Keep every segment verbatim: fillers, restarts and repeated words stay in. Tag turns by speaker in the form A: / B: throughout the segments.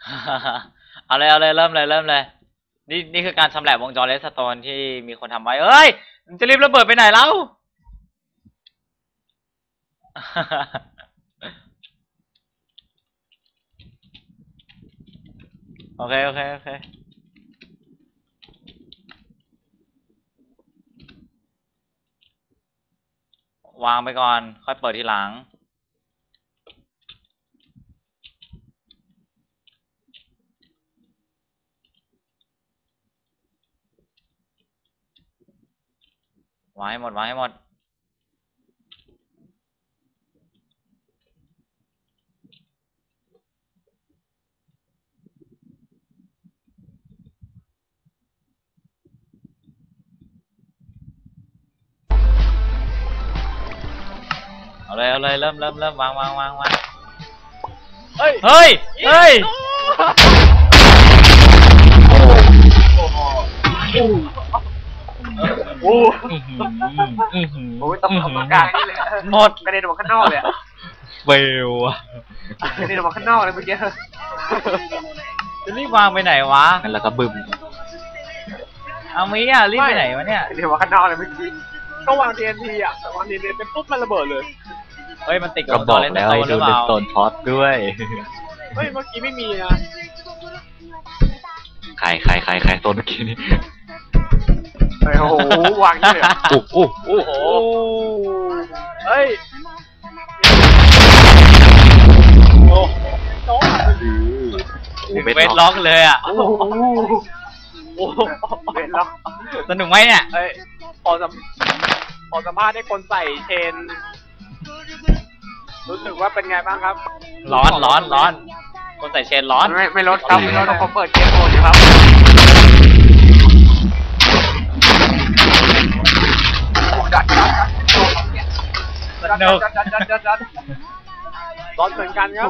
A: เอาเลยเอาเลยเริ่มเลยเริ่มเลยนี่นี่คือการชำแหละวงจรเรสโตนที่มีคนทำไว้เอ้ยจะรีบระเบิดไปไหนแล้ว โอเคโอเคโอเควางไปก่อนค่อยเปิดทีหลังวางให้หมดวางให้หมดเอาเลยเอาเลยเริ่มเริ่มเริ่มวางวางวางวาง
B: เฮ้ย
A: เฮ้ยเฮ้ย
B: โอ้โห
A: โอ้
B: โอ้ยต้องเอาปากกานี่เลย
A: หมด
B: กระเด็นออกมาข้างนอกเลยอะ
A: เฟลอะ
B: กระเด็นออกมาข้างนอกเลยเมื่อกี้
A: จะรีบวางไปไหนวะ
C: งั้นแล้วก็บึ้ม
A: เอามีอ่ะรีบไปไหนวะเนี่ย
B: กระเด็นออกมาข้างนอกเลยเมื่อกี้ก็วาง ที เอ็น ที อ่ะวาง ที เอ็น ที เป็นปุ๊บมันระเบิดเลย
A: เฮ้ยมันติด
C: ก็บอกแล้วให้ดูเลนโตนพอดด้วย
B: เฮ้ยเมื่อกี้ไม่มีนะ
C: ใครใครใครใครโซนเมื่อกี้นี่
B: โอ้โหวางเลย
C: โอ้โห
B: โอ้โหเฮ้ยโอ้โห
A: เวทล็อกเลยอ่ะ
B: โอ้โหโอ้โหเวทล็อก
A: สนุกไหมเนี่ย
B: เฮ้ยพอสัมพอสัมภาษณ์ให้คนใส่เชนรู้สึกว่าเป็นไงบ้างครับ
A: ร้อนร้อนร้อนคนใส่เชนร้อน
B: ไม่ไม่ลดครับไม่ลดเขาเปิดเกมโหมดอยู่ครับ
A: สนุก
B: ร้อนเหมือนกันครับ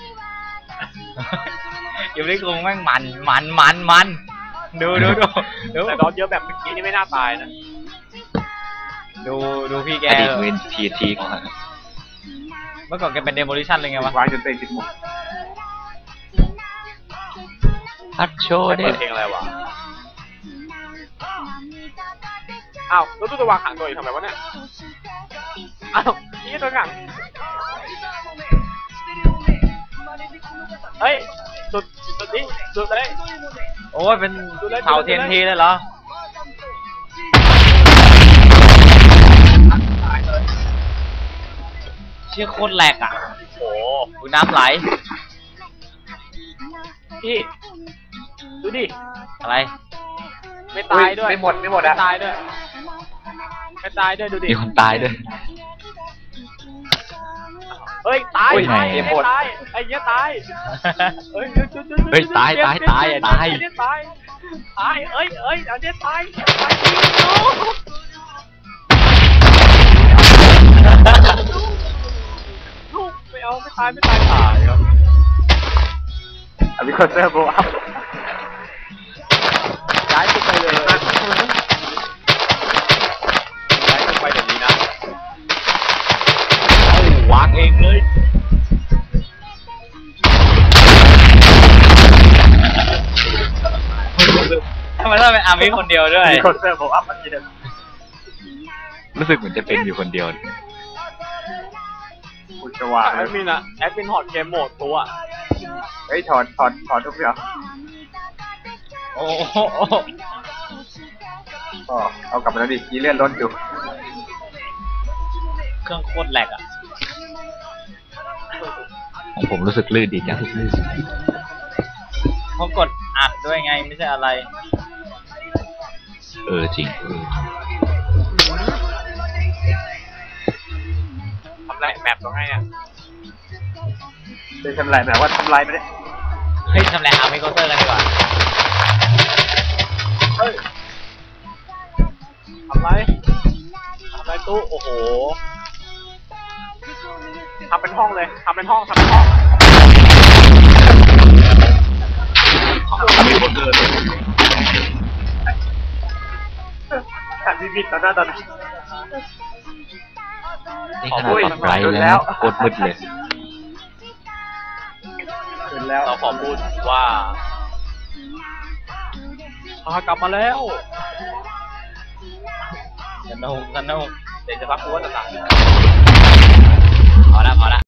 A: อยู่ในกรุงแม่งมันมันมันมันดูดูดูดู
B: แต่ร้อนเยอะแบบเมื่อกี้นี่ไม่น่าตายนะ
A: ดูดูพี่แก
C: อดีตเวนทีทีก่อน
A: เมื่อก่อนแกเป็นเดโมลิชั่นเลยไงวะ
B: วางจนเต็มจิตหมด
C: ฮัทโชว์เนี่ย
B: เพลงอะไรวะอ้าวแล้วตู้จะวางขังตัวอยู่ทำไมวะเนี่ยอ้าวนี่ตัวขังเฮ้ยสุดสุดนี้สุดเลย
A: โอ้ยเป็นเผาเทียนทีเลยเหรอเชี่ยโคตรแหลกอ่ะ
B: โอ้
A: ดูน้ำไหล
B: พี่ดูดิ
A: อะไร
B: ไม่ตายด้วยไม่หมดไม่หมดอะตายด้วยไม่ตายด้วยดูดิ
C: มีคนตายด้วย
B: เฮ้ยตายตายไอ้ตายไอ้เนี้ยตายเฮ้ย
C: เฮ้ยตายตายตายตาย
B: ไอ้เนี้ยตายตายเอ้ยเอ้ยไอ้เนี้ยตายตายลูกไม่เอาไม่ตายไม่ตายตายครับอภิคอนเซอร์โบอัพย้ายไปเลยย้ายไปเดี๋ยวนี้นะ
A: วางเองเลยทำไมต้องเป็นอาร์มี่คนเดียวด้วย
B: อภิคอนเซอร์โบอัพมันจะเดิน
C: รู้สึกเหมือนจะเป็นอยู่คนเดียว
B: คุณจะวางแอดมินอะแอดมินถอดเกมโหมดตัวเฮ้ยถอดถอดถอดทุกอย่าง
A: โอ้โห
B: อ๋อเอากลับมาแล้วดิมีเลื่อนรถอยู่
A: เครื่องโคตรแหลกอ่ะ
C: ของผมรู้สึกลื่นดีจัง
A: เขากดอัดด้วยไงไม่ใช่อะไร
C: เออจริง
B: ทำไรแมปตรงไหนเนี่ยเป็นทำไรแบบว่าทำไรไปเลย
A: เฮ้ยทำไรอาร์มี่เคาน์เตอร์กันดีกว่า
B: เฮ้ยทำไรทำไรตู้โอ้โหทำเป็นห้องเลยทำเป็นห้องทำเป็นห้อง
C: มีคนเดิน
B: ขัดวิบิตตอนหน้าตอนนี้
C: นี่ขนาดปรับไบรท์แล้วกดมืดเลย
B: เห็นแล้วเราขอพูดว่าพากลับมาแล้ว
A: สนุกสนุก
B: เดี๋ยวจะพักกูว่าจะตาย
A: พอละพอละ